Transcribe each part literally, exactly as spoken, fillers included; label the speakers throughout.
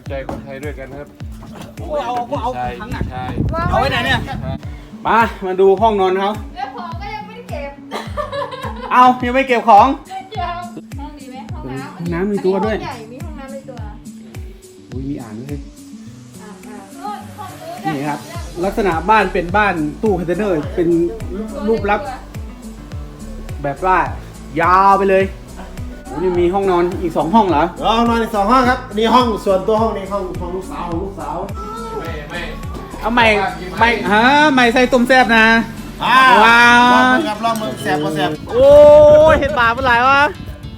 Speaker 1: ใจคนไทยด้วยกันครับ
Speaker 2: เอาเอาทั้งหนัก
Speaker 1: ใช่
Speaker 2: เอาไว้ไหนเนี่ยมามาดูห้องนอนเขา
Speaker 3: แล้วของก็ยังไม่ได้เก็บ
Speaker 2: เอายังไม่เก็บของ
Speaker 3: ยังห้องดีไหมห้องน้ำ
Speaker 2: ห้องน้ำมีตัวด้วย
Speaker 3: ห้องใหญ่มีห้องน้ำในตัว
Speaker 2: อุ้ยมีอ่างด้วย
Speaker 3: อ่าอ่าโน่นห้องนู้น
Speaker 2: นี่ครับ ลักษณะบ้านเป็นบ้านตู้คอนเทนเนอร์เป็นรูปลักษณ์แบบว่ายาวไปเลยโอ้นี่มีห้องนอนอีกสองห้องเหรอ
Speaker 4: ห้องนอนอีกสองห้องครับนี่ห้องส่วนตัวห้องนี้ห้องของลูกสาวของลูกสาว
Speaker 1: ไม่ไม่
Speaker 2: เอาใหม่ใหม่ฮะใหม่ใส่ต้มแซ่บนะ
Speaker 4: อ่า
Speaker 2: ว้าว
Speaker 4: ลองมือครับลองมือแสบพอแสบ
Speaker 2: โอ้ยเห็ดบาปเป็นไรวะ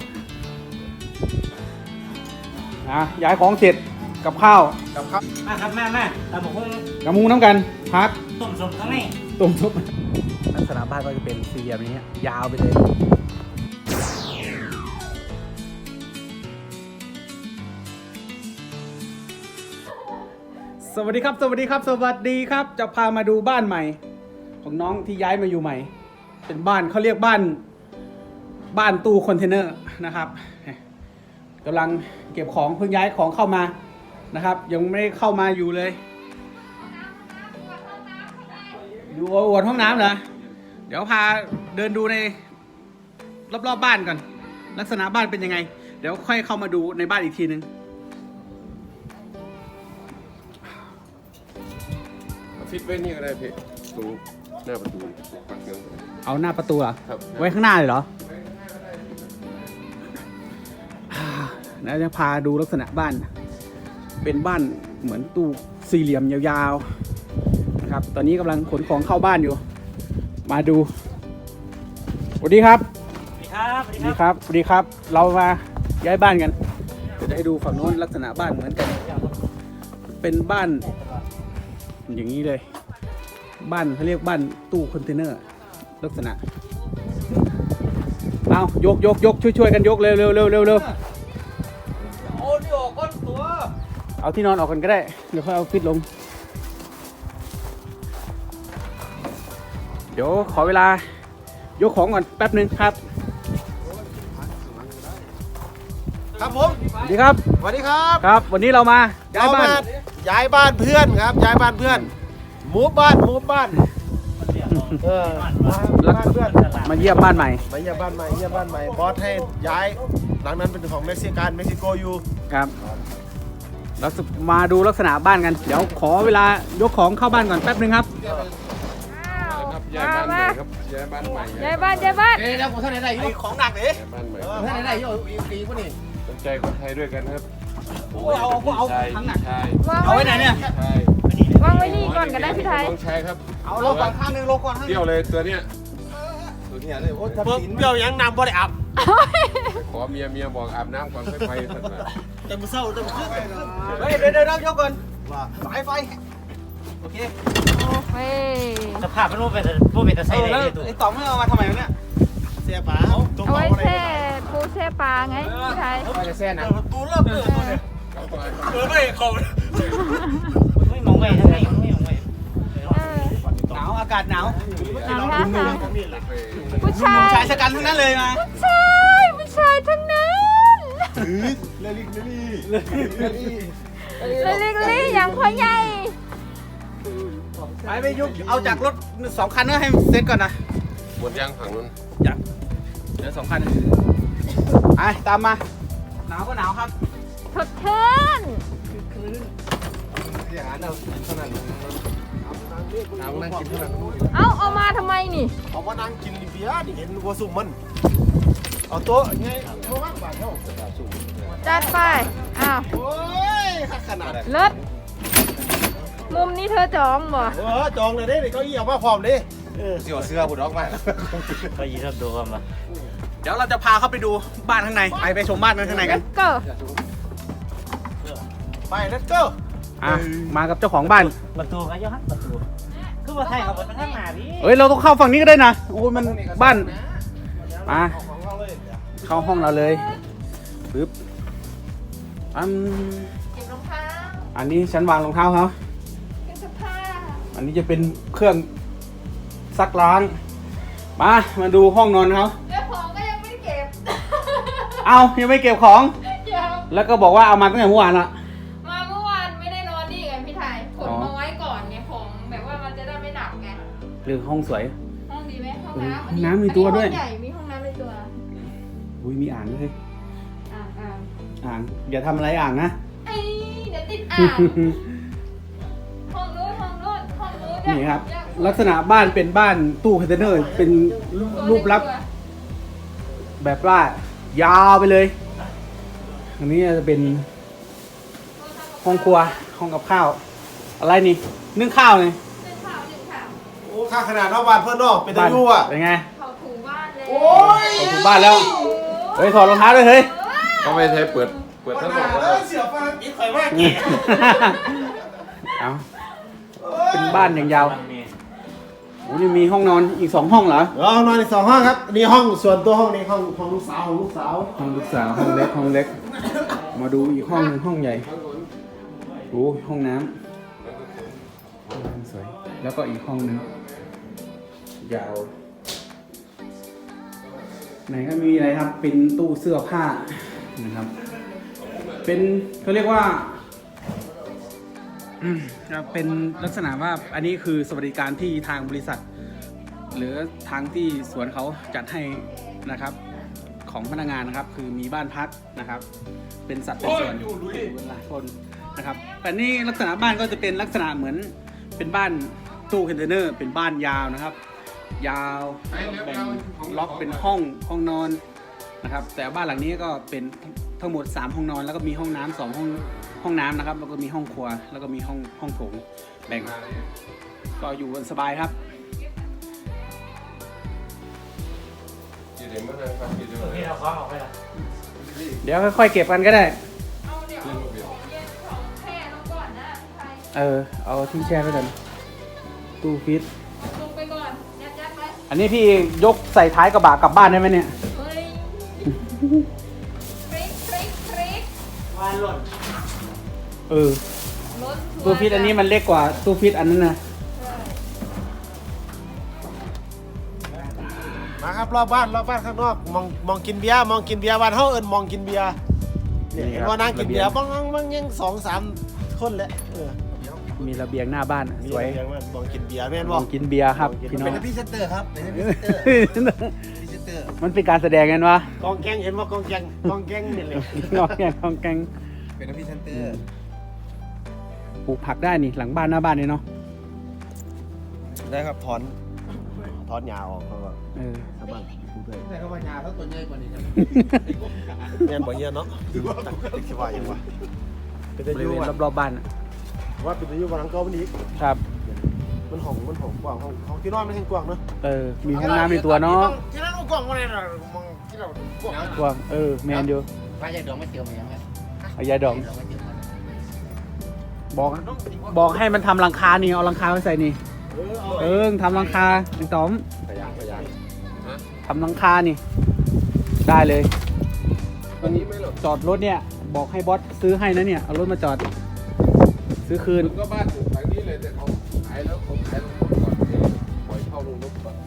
Speaker 2: นะย้ายของเสร็จกับข้าว
Speaker 4: กับครับ
Speaker 5: มาครับแม่แม่ตามผมคง
Speaker 2: กับมุงน้ำกันพัก
Speaker 5: ต้มสมทั้งนี้
Speaker 2: ต้มซุปลักษณะบ้านก็จะเป็นสี่เหลี่ยมนี้ยาวไปเลยสวัสดีครับสวัสดีครับ สวัสดีครับจะพามาดูบ้านใหม่ ของน้องที่ย้ายมาอยู่ใหม่ เป็นบ้านเขาเรียกบ้านบ้านตู้คอนเทนเนอร์นะครับกำลังเก็บของเพิ่งย้ายของเข้ามานะครับ ยังไม่ได้เข้ามาอยู่เลยดูอวดห้องน้ำเหรอเดี๋ยวพาเดินดูในรอบๆ บบ้านก่อนลักษณะบ้านเป็นยังไง เดี๋ยวค่อยเข้ามาดูในบ้านอีกทีนึง
Speaker 1: ฟิตไว้นี่ก็ได้พี่ตรงหน้าประตูปักเงิน
Speaker 2: เอาหน้าประตูเหรอ
Speaker 1: ครับ
Speaker 2: ไว้ข้างหน้าเลยเหรออ่าแล้วจะพาดูลักษณะบ้าน เป็นบ้านเหมือนตู้สี่เหลี่ยมยาวๆนะครับตอนนี้กำลังขนของเข้าบ้านอยู่ มาดูสวัสดีครับ
Speaker 5: สวัสดีครับสวัส
Speaker 2: สวัส
Speaker 5: ดี
Speaker 2: ดี
Speaker 5: ค
Speaker 2: ครับ รับสวัสดีครับ เรามาย้ายบ้านกันเดี๋ยวจะให้ดูฝั่งโน้นลักษณะบ้านเหมือนกัน เป็นบ้านอย่างนี้เลย บ้านเขาเรียกบ้านตู้คอนเทนเนอร์ลักษณะเอายกยกยกช่วยช่วยกันยกเร็วเร็วเร็วเร็วเร็ว
Speaker 5: โอ้นี่ออกก้นตัว
Speaker 2: เอาที่นอนออกกันก็ได้เดี๋ยวค่อยเอาฟิตลงเดี๋ยวขอเวลายกของก่อนแป๊บหนึ่งครับ
Speaker 4: ครับผม
Speaker 2: สวัสดีครับ
Speaker 4: สวัสดีครับ
Speaker 2: ครับ วันนี้เรามาย้าย
Speaker 4: เรา
Speaker 2: บ้าน
Speaker 4: มาย้ายบ้านเพื่อนครับย้ายบ้านเพื่อนมูฟบ้านมูฟบ้านเออมาบ้านเพื่อน
Speaker 2: มาเยี่ยมบ้านใหม่
Speaker 4: มาเยี่ยมบ้านใหม่เยี่ยมบ้านใหม่บอสให้ย้ายหลังนั้นเป็นของเม็กซิกันเม็กซิโกอยู่
Speaker 2: ครับเรามาดูลักษณะบ้านกัน เดี๋ยวขอเวลายกของเข้าบ้านก่อนแป๊บหนึ่งครับ
Speaker 1: ครับย้ายบ้านใหม่ครับย้ายบ้านใหม่
Speaker 3: ย้ายบ้านย้ายบ้าน
Speaker 4: เอ้ยแล้วผมท่านไหนอยู่ของหนักเลย
Speaker 1: ย้ายบ้านใหม่
Speaker 4: ท่านไหนอยู่อีกปีกว่านี่
Speaker 1: สนใจคนไทยด้วยกันครับ
Speaker 2: เอาเอาเอาทั้งหนัก
Speaker 1: ใช่
Speaker 3: วาง
Speaker 2: เอาไว้ไหนเนี่ย
Speaker 1: ใช่
Speaker 3: วางไว้นี่ก่อนก็ได้พี่ไทย
Speaker 1: ต้องใช้ครับ
Speaker 2: เอาลงก่อนข้างหนึงลงก่อนข้างห
Speaker 1: เที่
Speaker 2: นึ
Speaker 1: ยว
Speaker 2: ง
Speaker 1: เลยตัวเนี้ย
Speaker 4: ตัวนี้เลยโอ้ทับสินเบี้ยวยังนำบ่ได้อับ
Speaker 1: ขอเมียเมียบอกอาบน้ำก่อนค่อยไปสักหน่อย
Speaker 4: แต่มือเศร้าแต่มือขึ้น
Speaker 2: เฮ้ยเดี๋ยวเดี๋ยวเดี๋ยวยกก่อน
Speaker 4: ว่าสายไฟ
Speaker 2: โอเค
Speaker 3: เฮ้ย
Speaker 5: สภาพมันโมเป็นโมเป็นตะไซ
Speaker 2: เออ
Speaker 5: ได้
Speaker 2: แล้ว
Speaker 5: เลยตัว
Speaker 2: ไอ้ต่อมไม่เอามาทำไมวะเนี่ย
Speaker 4: เสียป๋าตัว
Speaker 3: เอา
Speaker 4: เบา
Speaker 3: ไว้
Speaker 4: อะไร
Speaker 3: แช่ปูแช่ปลาไงพี่ไทย
Speaker 2: ว่าจะแซ่นะ
Speaker 4: ตูเริ่มเปิดตัวเนี่ย
Speaker 1: ครับไป
Speaker 4: เออไม่เขา
Speaker 5: ไม่มองไว้ทั้งนี้ไม่มองไว้
Speaker 3: เออ
Speaker 2: หนาวอากาศหนาว
Speaker 3: หนาวมากค่ะ
Speaker 1: ไป
Speaker 3: ผู้ชาย
Speaker 2: ชายชะกันทั้งนั้นเลยมา
Speaker 3: ผู้ชายผู้ชายทั้งนั้น
Speaker 4: เลลิกเลลี่เลลี่
Speaker 3: เลยเล็กๆอย่างพ่อใหญ่
Speaker 2: ไปไปยุกเอาจากรถสองคันก็ให้เซ็ตก่อนนะ
Speaker 1: หมดยางฝั่งนู้น
Speaker 2: อยากเดี๋ยวสองคันไปตามมาหนาวก็หนาวครับ
Speaker 3: สดชื่น
Speaker 4: อย่างนั้นเอาเท่านั้น
Speaker 1: น้ำนั่งกินเท่านั้น
Speaker 3: เอาเอามาทำไมนี่
Speaker 4: เอามานั่งกินเบียร์นี่เห็นวัวสุ่มมันเอาโต๊ะไงโต๊ะว่างบาทเท่า
Speaker 3: จัดไปอ้าว
Speaker 4: โอ้ยขนาด
Speaker 3: เลิศมุมนี้เธอจองบ่
Speaker 4: เออจองเลยเด้เก้าอี้เอามาพร้อมเลยเออ
Speaker 1: เสียวเสื้อบุดออกไป
Speaker 5: ก็ยีรับดูกันมา
Speaker 2: เดี๋ยวเราจะพาเข้าไปดูบ้านข้างในไปไปชมบ้านข้างในกัน
Speaker 3: ก็
Speaker 4: ไป let's go
Speaker 2: อ่ะมากับเจ้าของบ้าน
Speaker 5: ประตูก็ย้อนประตูคือว่าไทยเขาเป็นข้างหน้าพี่
Speaker 2: เอ้ยเราต้องเข้าฝั่งนี้ก็ได้นะโอ้ยมันบ้านมาเข้าห้องเราเลยปึ๊บอัน
Speaker 3: เก็บรองเท้า
Speaker 2: อันนี้ฉันวางรองเท้าเขา
Speaker 3: เก็บเสื้อผ้า
Speaker 2: อันนี้จะเป็นเครื่องซักล้างมามาดูห้องนอนเขา
Speaker 3: แล้วของก็ยังไม่ได้เก็บ
Speaker 2: เอายังไม่เก็บของ
Speaker 3: ยัง
Speaker 2: แล้วก็บอกว่าเอามาตั้งแต่เมื่อวานละ
Speaker 3: มาเมื่อว
Speaker 2: รือห้องสวย
Speaker 3: ห้องดีไหมห้อง
Speaker 2: เออ
Speaker 3: น้ำ
Speaker 2: ห้องน้ำมีตัวด้วย
Speaker 3: อันนี้ห้องใหญ่มีห้องน้ำในตัว
Speaker 2: อุ้ยมีอ่างด้วย
Speaker 3: อ่างอ่าง
Speaker 2: อ่างอย่าทำอะไรอ่างนะ
Speaker 3: ไอ้เดี๋ยวติดอ่างห้องนู้นห้องนู้นห้องนู้น
Speaker 2: นี่ครับ ลักษณะบ้านเป็นบ้านตู้คอนเทนเนอร์เป็นรูปลักษณ์แบบว่ายาวไปเลยอันนี้จะเป็นห้องครัวห้องกับข้าว อะไรนี่นึ่งข้าวเลย
Speaker 3: เป็นข่าวหนึ่งข่าว
Speaker 4: โอ้ข้าขนาดนอกบ้านเพื่อนนอกเป็นตะยู่อ่ะ
Speaker 2: เป็นไง
Speaker 3: เขาถูบ้านเลย
Speaker 4: โอ้ย
Speaker 2: ออกถึงบ้านแล้วเฮ้ยถอดรองเท้าด้วยเฮ้ย
Speaker 1: เขาไม่ใช้เปิดเปิด
Speaker 4: ข
Speaker 1: ทั้งหม
Speaker 4: นา
Speaker 1: ด
Speaker 4: ดเลยเสียฟันอีกข่อยมากเก
Speaker 2: เอาเป็นบ้านอย่างยาวโอ้นี่มีห้องนอนอีกสองห้องเหรอ
Speaker 4: เรานอนในสองห้องครับนี่ห้องส่วนตัวห้องนี้ห้องห้องลูกสาวของลูกสาว
Speaker 2: ห้องลูกสาวห้องเล็กห้องเล็ก มาดูอีกห้องหนึงห้องใหญ่โอ้ห้องน้ำห้องน้ำสวยแล้วก็อีกห้องหนึงยาวไหนก็มีอะไรครับเป็นตู้เสื้อผ้านะครับ เป็นเขาเรียกว่าอืมครับเป็นลักษณะว่าอันนี้คือสวัสดิการที่ทางบริษัท หรือทางที่สวนเขาจัดให้นะครับ ของพนักงานนะครับ คือมีบ้านพักนะครับ เป็นสัตว์เป็นส่วนอยู่หลายคนนะครับ แต่นี่ลักษณะบ้านก็จะเป็นลักษณะเหมือนเป็นบ้านตู้คอนเทนเนอร์เป็นบ้านยาวนะครับ ยาวแบ่งล็อกเป็นห้องห้องนอนนะครับ แต่บ้านหลังนี้ก็เป็นทั้งหมดสามห้องนอนแล้วก็มีห้องน้ำสองห้องห้องน้ำนะครับ แล้วก็มีห้องครัวแล้วก็มีห้องห้องโถงแบ่งก็อยู่กันสบายครับ
Speaker 1: อยู่ในมือนะครับอยู่ในมือ
Speaker 5: นี่เราคล้องออกไปละ
Speaker 2: เดี๋ยวค่อยๆเก็บกันก็ได้
Speaker 3: เอาเดี๋ยวเอาของเย็นของแช่ลงก่อนนะพี่ไทย
Speaker 2: เออ เอาที่แช่ไว้กันตู้ฟิต
Speaker 3: ลงไปก่อนยัดยัดไว้
Speaker 2: อันนี้พี่ยกใส่ท้ายกระบะกลับบ้านได้ไหมเนี่ย
Speaker 3: เฮ้ยฟริกฟริกฟริก
Speaker 5: วานหล่น
Speaker 2: เออ
Speaker 3: รถ
Speaker 2: ตู้ฟิตอันนี้มันเล็กกว่าตู้ฟิตอันนั้นนะ
Speaker 4: มาครับรอบบ้านรอบบ้านข้างนอกมองมองกินเบียร์มองกินเบียร์บ้านเฮาเอิ้นมองกินเบียร์เนี่ยเห็นว่านั่งกินเบียร์บ้างบ้างยังสองสามคนแหละเออ
Speaker 2: มีระเบียงหน้าบ้าน
Speaker 4: มี
Speaker 2: สวย
Speaker 4: อะไรอย่างนั้นมองกินเบียร์แม่น
Speaker 2: ม
Speaker 4: บ่
Speaker 2: องกินเบียร์ครับพี่น้อง
Speaker 4: เป็นพรีเซนเตอร์ครับเป็นพรีเซนเตอร์พรีเซนเตอร์
Speaker 2: มันเป็นการแสดงกันวะ
Speaker 4: กองแกงเห็นว่ากองแกงกองแกงนี่เลย
Speaker 2: งอแกงงอแกง
Speaker 4: เป็นพรีเซนเตอร์
Speaker 2: ปลูกผักได้นี่หลังบ้านหน้าบ้านนี่เนาะ
Speaker 4: ได้ครับถอนถอนหญ้าออกเขาก็
Speaker 2: เออ
Speaker 4: ชาวบ้านปลูกด้วย
Speaker 5: แต่ก็ว่ายาเขาตัวใหญ่กว่านี้นะ
Speaker 4: แม่นบ่เฮียเนาะตั้งแต่คิดว่าอย่างวะเป็น
Speaker 2: บ
Speaker 4: ตะ
Speaker 2: ริ
Speaker 4: ยู
Speaker 2: เวณ
Speaker 4: ว่ะ
Speaker 2: รอบๆบ้านอะ
Speaker 4: ว่าเป็นตะยูวันหลังเก็มันอีก
Speaker 2: ครับ
Speaker 4: มันห้องมันห้องกว้างห้องห้องที่นอนมันแห่งกว้างเนาะ
Speaker 2: เออ มีห้องน้ำในตัวเนาะ
Speaker 4: ที่นั่นกว้างกว่านี้นะมองที่เรากว้าง
Speaker 2: กว้างเออ แมนอยู่
Speaker 5: ว่าใหญ่ดองไม่เจียวมายังไง
Speaker 2: เอายาดอง
Speaker 5: ดองไม่เจียวมา
Speaker 2: บอก บอกให้มันทำรังคานี่ เอารังคาไว้ใส่นี่
Speaker 4: เออเอา
Speaker 2: เออทำรังคาไอ้ต๋อม
Speaker 4: พยางพยาง
Speaker 2: ทำรังคานี่ ได้เลย
Speaker 1: วันนี้ไม่หรอก
Speaker 2: จอดรถเนี่ย บอกให้บอสซื้อให้นะเนี่ย เอารถมาจอด ซื้อคืน
Speaker 1: มันก็บ้านอยู่ทางนี้เลยแต่เขาขายแล้วเขาขายลงก่อนปล่อยเข้าลงรถก่อน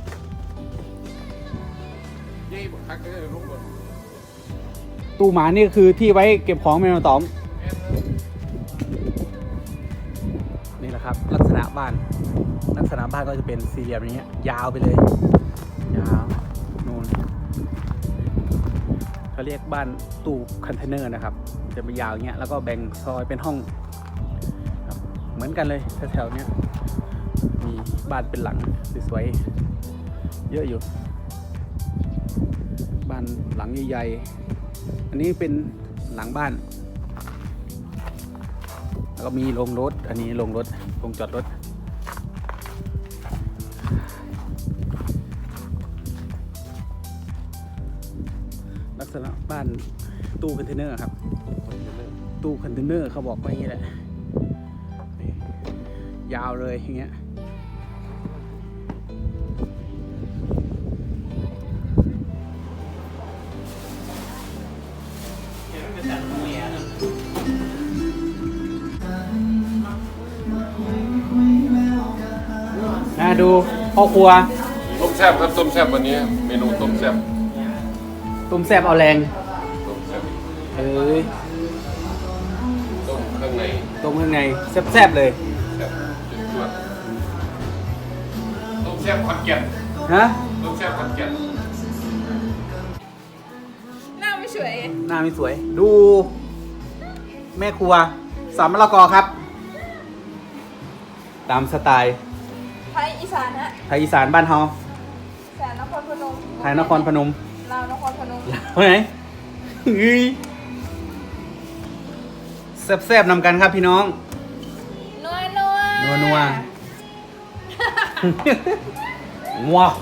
Speaker 1: ยี่บักคักก็จะลงก่อน
Speaker 2: ตู้หมานี่คือที่ไว้เก็บของแมวต๋อม นี่แหละครับ ลักษณะบ้าน ลักษณะบ้านก็จะเป็นสี่เหลี่ยมอย่างเงี้ย ยาวไปเลย ยาวนู่นเขาเรียกบ้านตู้คอนเทนเนอร์นะครับ จะไปยาวอย่างเงี้ย แล้วก็แบ่งซอยเป็นห้องครับเหมือนกันเลยแถวๆเนี้ย มีบ้านเป็นหลังสวยๆ เยอะอยู่ บ้านหลังใหญ่ๆ อันนี้เป็นหลังบ้าน แล้วก็มีโรงรถ อันนี้โรงรถโรงจอดรถ ลักษณะบ้านตู้คอนเทนเนอร์ครับ ตู้คอนเทนเนอร์เขาบอกว่าอย่างนี้แหละนี่ยาวเลยอย่างเงี้ย น่าดูพ่อครัว
Speaker 1: ต้มแซ่บครับต้มแซ่บวันนี้เมนูต้มแซ่บ
Speaker 2: ต้มแซ่บเอาแรง
Speaker 1: ต้มแซ่บ
Speaker 2: เอ้ย
Speaker 1: ต้มเครื่องใน
Speaker 2: ต้มข้างในแซ่บๆเลย
Speaker 1: แซ่บจุดจวดซ่บขอนแก่น
Speaker 2: ฮะ
Speaker 1: ต้มแซ่บขอนแก่น
Speaker 3: หน้าไม่สวย
Speaker 2: หน้าไม่สวย ดู แม่ครัวสามมะละกอครับ ตามสไตล์
Speaker 3: ไทยอีสานฮะ
Speaker 2: ไทยอีสานบ้านเฮา
Speaker 3: แสนนครพนม
Speaker 2: ไทยนครพนม
Speaker 3: ลาวนครพนม
Speaker 2: ไปไหนเฮ้ยแซ่บๆนำกันครับพี่น้อง
Speaker 3: นัวนัว
Speaker 2: นัวนัวว้าว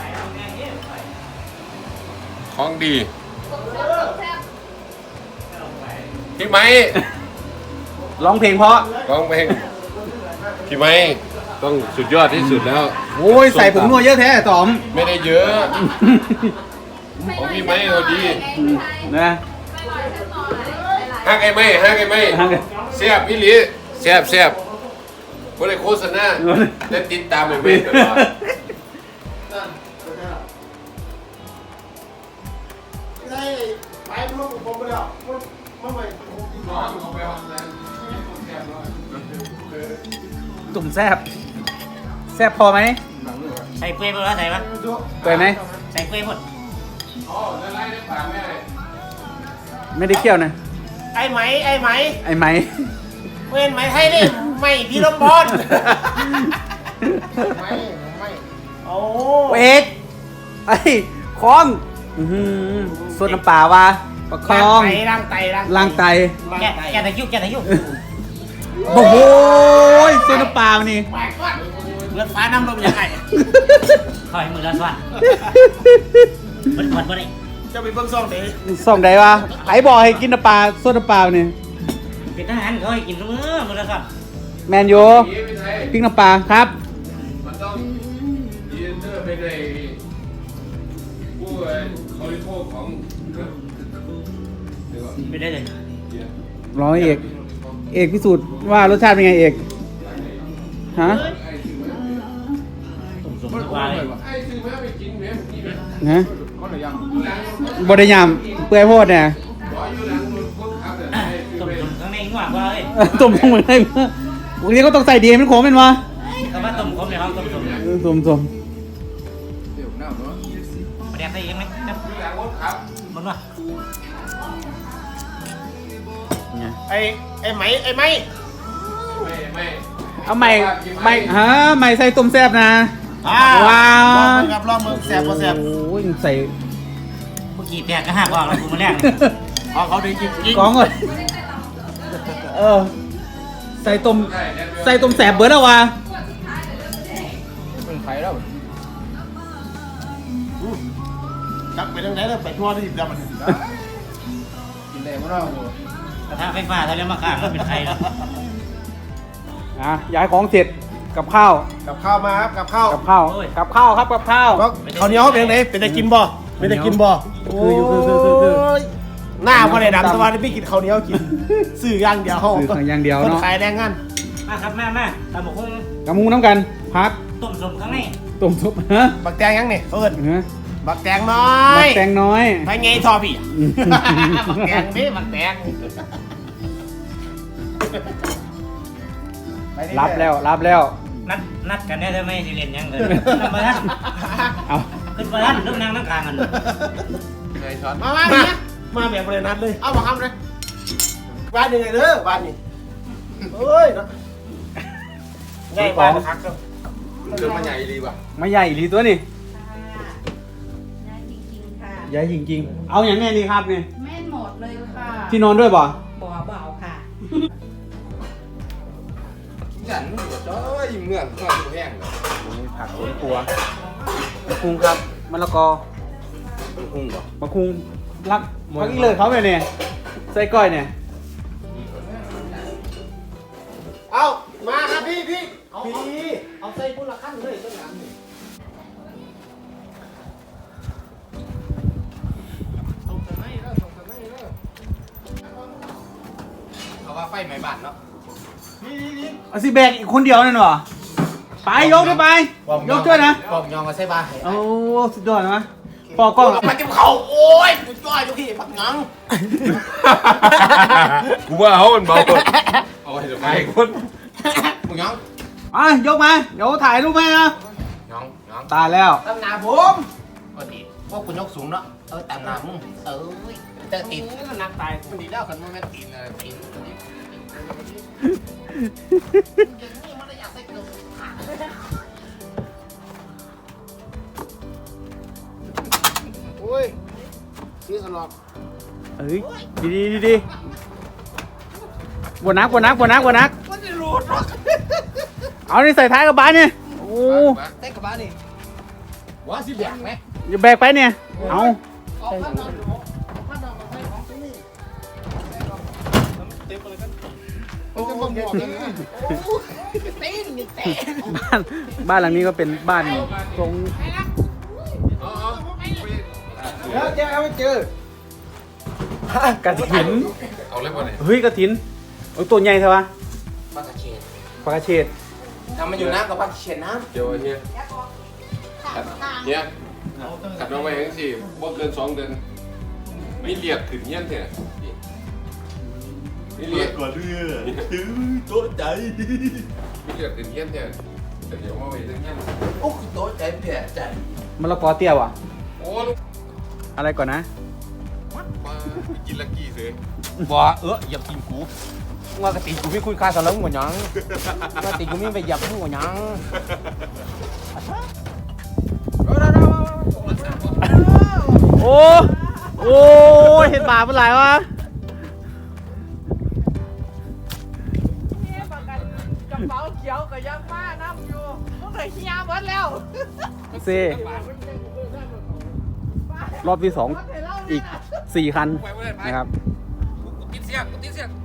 Speaker 1: ของดี
Speaker 3: แซ่บ
Speaker 1: พี่ไม้
Speaker 2: ร้องเพลงเพราะ
Speaker 1: ร้องเพลงพี่ไม้ต้องสุดยอดที่สุดแล้ว
Speaker 2: โอ้ยใส่ผงนัวเยอะแท้ต๋อม
Speaker 1: ไม่ได้เยอะ ของพี่ไม้เอาดี
Speaker 2: นะ
Speaker 3: ไม่หน่อยแซ่บหน่อยหลาย
Speaker 1: ฮักไอ้ไม้ฮักไอ้ไม้
Speaker 2: ฮักไอ้
Speaker 1: แซ่บพี่หลีแซ่บแซ่บบ่ได้โฆษณาแต่ติดตามไอ้ไม้ตลอด
Speaker 4: ได้ไปพวกผมไปแล้วมันมันไม่
Speaker 2: ตุ่มแซ่บแซ่บพอไหม
Speaker 5: ใส่เปรย์หมดแล้วใส่ปะ
Speaker 2: เปิดไหม
Speaker 5: ใส่เปรย์หมด
Speaker 1: อ๋อละลายในปากแม่
Speaker 2: ไม่ได้เคี่ยวนะ
Speaker 4: ไอ้ไหมไอ้ไหม
Speaker 2: ไอ้ไหม
Speaker 4: เว้นไหมไทยนี่ไม่พี่ลมพรไม่ไม่โอ้
Speaker 2: เอกไอ้คล้องอื้อหือสดน้ำปลาวะประคอง
Speaker 4: ล้างไตล้าง
Speaker 2: ล้างไต
Speaker 4: ล้าง
Speaker 5: แกะ
Speaker 4: ไต
Speaker 5: แกะตะยุกแกะตะยุก
Speaker 2: โอ้โหสดน้ำปลามันนี่
Speaker 4: ไปก่อนเลือดฟ้าน้ำลมยังไง
Speaker 5: คอยมือละส่วนมันผ่อนบ่ได้
Speaker 4: จะไปเบิ่งซ่องเด้
Speaker 2: ส่องใดวะไอ้บอกให้กินน้ำปลาสดน้ำปลามันนี่
Speaker 5: เป็นทหารเขาให้กินทุกมื้อมือละส่วน
Speaker 2: แมนโย
Speaker 1: นี่ไม่ใช่
Speaker 2: พริกน้ำปลาครับ
Speaker 1: มันต้องยืนเตอร์ไปในผู้เขาริโภคของเดี๋ยวก่อน
Speaker 5: ไม่ได้เลย
Speaker 2: ร้อยเอก เอกพิสูจน์ว่ารสชาติเป็นไงเอก ฮะ
Speaker 5: ตุ่มสมทุกวันเลย
Speaker 1: ไอ้ซื้อมาไปกินแม่นี่แม่
Speaker 2: ฮะ
Speaker 1: คนละยัง
Speaker 2: บไดยามเปื่อยโพดเนี่ย
Speaker 1: ขออยู่หลังรถคนขับแต่ไอ้ซื้อ
Speaker 5: ตุ่ม
Speaker 1: ไป
Speaker 5: สมข้างในง่วงว่าเลย
Speaker 2: ตุ่มลงไปได้บางทีก็ต้องใส่ดีให้มันโค้งเป็นวะ
Speaker 5: คำว่าตุ่มคมในห้องตุ่มสม
Speaker 2: ตุ่มตุ่ม
Speaker 1: เดี๋ยวหน้าเนาะ
Speaker 5: ประเดี๋ยวใส่ยังไหมครับ
Speaker 1: อยู่หลังรถขับ
Speaker 5: มันว่า
Speaker 4: ไอ้ไอ้ไหมไอ้ไหม
Speaker 1: ไม่ไม่
Speaker 2: เอาใหม่ใหม่ฮะใหม่ใส่ตุ่มแซ่บนะ
Speaker 4: อ่า
Speaker 2: ว้าว
Speaker 4: ลองมือครับลองมือแสบก็แสบ
Speaker 2: โอ้ยใส่
Speaker 5: เมื่อกี้แตกก็หักออกแล้วกูมาแรก
Speaker 4: เอาเขาได้กินจริง
Speaker 2: กองเลยเออ ใส่ตุ่มใส่ตุ่มแสบเบิร์ดแล้ววะ
Speaker 1: เป็นไฟแล้ว
Speaker 4: จับไปทางไหนแล้วไปทั่วที่จับมัน
Speaker 1: กินแรงมาก
Speaker 5: กระทะไฟฟ้าถ้าเรียกมาข้างก็เป็นไทยแล้ว
Speaker 2: อ่ะย้ายของเสร็จกับข้าว
Speaker 4: กับข้าวมาครับกับข้าว
Speaker 2: กับข้าวกับข้าวครับกับข้าว
Speaker 4: ก็เขาวเหนียวเป็นไงเป็นได้กินบ่เป็นได้กินบ่
Speaker 2: คืออยู่คือคือคือคือ
Speaker 4: โยหน้าพ่อได้ดำสวัสดีพี่กินข้าวเหนียวกินซื้ออย่างเดียว
Speaker 2: ซื้ออย่างเดียว
Speaker 4: คน
Speaker 2: เนาะ
Speaker 4: ขายแรงงาน
Speaker 5: มาครับมามาตำหมกหุ้ง
Speaker 2: กับมุงน้ำกันพัก
Speaker 5: ตุ่มสมข้างใน
Speaker 2: ตุ่มซุปฮะ
Speaker 4: บักแตงยังนี่เขาเอิ้น
Speaker 2: ฮะ
Speaker 4: บักแตงน้อ
Speaker 2: บั
Speaker 4: ย
Speaker 2: กแตงน้อย
Speaker 4: ไปไงทอพี่
Speaker 2: อืม
Speaker 4: บักแตงนี่บักแตงไปนี่
Speaker 2: รับแล้วรับแล้ว
Speaker 5: นัดนัดกันได้ไหมสิเรียนยังเลยนัดมาท่าน
Speaker 2: เอา
Speaker 5: ขึ้นมาท่านต้องนั่งนั่งกลางกัน
Speaker 1: ไงช้อน
Speaker 4: มามาเนี่ยมาแบบบรินัดเลยเอามาทำเลยบ้านยังไงเด้อบ้านนี่เฮ้ยเนาะไงบ้านพักก็
Speaker 1: เครื่องมันใหญ่ดีว่ะ
Speaker 2: ไม่ใหญ่อีหลีตัวนี่
Speaker 3: ๆน่าจริงๆค่ะ
Speaker 2: ใหญ่จริงๆ เอาอย่างแน่นี่ครับนี่
Speaker 3: แม่นหมดเลยค่ะ
Speaker 2: ที่นอนด้วยบ่
Speaker 3: บ่เบาค่ะ
Speaker 1: ฉันเจ้ยเมื่อนข้าวแห้งเลย
Speaker 2: ผักสวนครัวมะคุงครับมะละกอ
Speaker 1: มันคุ้งเหรอ
Speaker 2: มะคุงรักพักอีเลยเขาเนี่ยเนี่ยใส่ก้อยเนี่ย
Speaker 4: เอามาครับพี่พี่พี่เอาใส่พุ่นละขั้นเลยต้นหลังนี่ส่งกันไหนแล้วส่งกันไหนแล้ว
Speaker 1: เอาว่าไฟไหม้บ้านเนาะ
Speaker 4: พี่พี่พี่
Speaker 2: เอาสิแบกอีกคนเดียวนั่นหรอไปยกด้วยไปยกช่วยนะ
Speaker 4: กล่องยองมาใส่บ้าน
Speaker 2: โอ้สุดยอดนะปอกกล้อง
Speaker 4: มาจิ้มเขาโอ้ยสุดยอดอยู่พี่ผักงัง
Speaker 1: กูว่าเขามันเบาคนเอาไว้เดี๋ยวไปคนมึงยัง
Speaker 2: อ่ะยกมาเดี๋ยวถ่ายรูปให้นะ
Speaker 1: ยังย
Speaker 2: ตายแล้ว
Speaker 4: ตำหนาผมปกติ
Speaker 5: พวกคุณยกสูงเนาะเออตามน้ำมึงเออเจอตีน
Speaker 4: มันนักตายมันดีแล้วกันมันแม่ตีนอะไรตีนโอ้ยซีสลอก
Speaker 2: เอ้ยดีดีดีดีบวนักบวนักบวนักบวนัก
Speaker 4: มันจะรูดหรอก
Speaker 2: เอานี่ใส่ท้ายกระบะเนี่ยโอ้
Speaker 4: เต้กับบ้านนี่ว่าสิแบกไหม
Speaker 2: อย่าแบกไปเนี่ยเอา
Speaker 4: ออกข้างนอกออกข้างนอกออกไปของที่นี่เต็มเลยกันโอ้ยมันหมดเลยนะตีนนี่เตะ
Speaker 2: บ้านบ้านหลังนี้ก็เป็นบ้านทรง
Speaker 1: อ๋ออ๋อไป
Speaker 2: เจอเจอเจอกระถิน
Speaker 1: เอาเลยบ่เนี่ย
Speaker 2: เฮ้ยกระถินโอ้ยตัวใหญ่ใช่ปะ
Speaker 5: ปลากระเชด
Speaker 2: ปลากระเฉด
Speaker 5: ทำมันอยู่น้ำกับปลากระเชดน้
Speaker 1: เดี๋ยวเฮียเฮียขัดลงไปทั้งสี่บ่เกินสองเดือนไม่เรียกขึ้นเงี้ยนเถอะไม่เรียก
Speaker 6: ก่อนเรือถือโต๊ะใจ
Speaker 1: ไม่เรียกขึ้นเงี้ยนเถอะแต่เดี๋ยวมาไว้ทั้งเงี้ยน
Speaker 5: ำโอ้คือโต๊ะใจเพี้ยใจ
Speaker 2: มะละกอเตี้ยวอ่ะ
Speaker 1: โอ้ลูก
Speaker 2: อะไรก่อนนะ
Speaker 1: มากินลักกี้เลย
Speaker 5: บ่เอออย่ากินกูว่ากระติกูไม่คุยค่าสลังหัวยังกระติกูไม่ไปหยับหัวยัง
Speaker 2: โอ้โอ้เห็นบาปเป็นไรวะ
Speaker 7: นี่ประกันกระเป๋าเขียวกับยังมาน้ำอยู่ต้องเลยเฮียหมดแล้ว
Speaker 2: เซรอบที่สองอีกสี่คันนะครับ
Speaker 1: ติดเสียงติดเสียง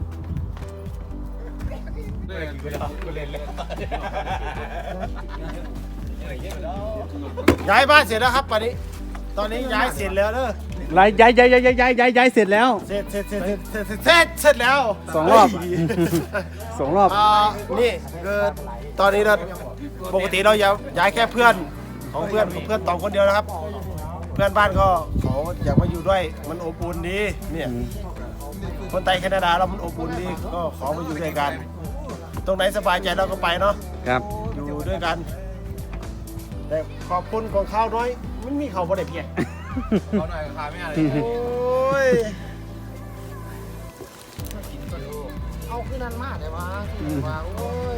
Speaker 4: ย้ายบ้านเสร็จแล้วครับตอนนี้ ตอนนี้ย้ายเสร็จแล้วเด้อ
Speaker 2: ย้ายย้ายย้ายย้ายย้ายย้ายย้ายเสร็จแล้ว
Speaker 4: เสร็จเสร็จเสร็จเสร็จเสร็จเสร็จเสร็จเสร็จแล้ว
Speaker 2: สองรอบ สองรอบ
Speaker 4: อ่านี่คือตอนนี้เราปกติเราย้ายย้ายแค่เพื่อนของเพื่อนของเพื่อนตองคนเดียวนะครับ เพื่อนบ้านก็เขาอยากมาอยู่ด้วยมันอบอุ่นดีเนี่ยคนไทยแคนาดาเรามันอบอุ่นดีก็ขอมาอยู่ด้วยกัน ตรงไหนสบายใจเราก็ไปเนาะ
Speaker 2: ครับ
Speaker 4: อยู่ด้วยกัน แต่ขอบคุณของข้าวน้อยมันมีเขาบ่ได้เพียง
Speaker 1: เขาหน่อยราคาไม่อะไร
Speaker 4: โอ้ยเอาขึ้นนั่นมากเลยวะว่าโอ้ย